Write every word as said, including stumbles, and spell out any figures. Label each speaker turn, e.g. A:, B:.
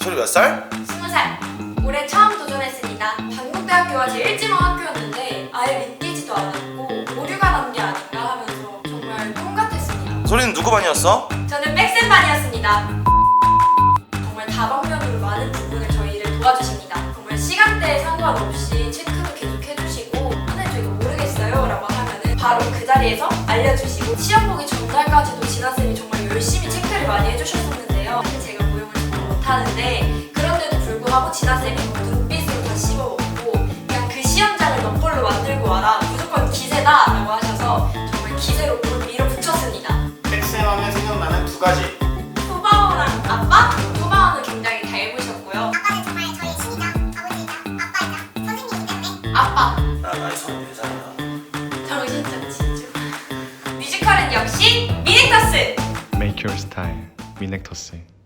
A: 소리 몇 살?
B: 스무 살. 올해 처음 도전했습니다. 단국대학교가 제 일지망 학교였는데 아예 믿기지도 않았고 오류가 난 게 아닌가 하면서 정말 꿈 같았습니다.
A: 소리는 누구 반이었어?
B: 저는 백센반이었습니다. 정말 다방면으로 많은 부분을 저희를 도와주십니다. 정말 시간대에 상관없이 체크도 계속 해주시고 선생님 저 이거 모르겠어요 라고 하면은 바로 그 자리에서 알려주시고 시험 보기 전날까지도 진아쌤이 정말 열심히 체크를 많이 해주셨었는데요. 사실 제가 모형을 정말 못하는데 그런데도 불구하고 진아쌤이 눈빛으로 다 씹어먹고 그냥 그 시험장을 너 걸로 만들고 와라 무조건 기세다 라고 하셔서 정말 기세로 뭘 밀어붙였습니다.
C: 백쌤하면 생각나는 두 가지.
B: 토바오랑 아빠? 토바오는 굉장히 닮으셨고요.
D: 아빠는 정말 저희 신이자, 아버지이자, 아빠이자, 선생님이기 때문에
B: 아빠,
A: 나 나이 서른네 살이야.
B: 정신적 지주. 뮤지컬은 역시 미네터스!
E: Make your style, 미넥터스.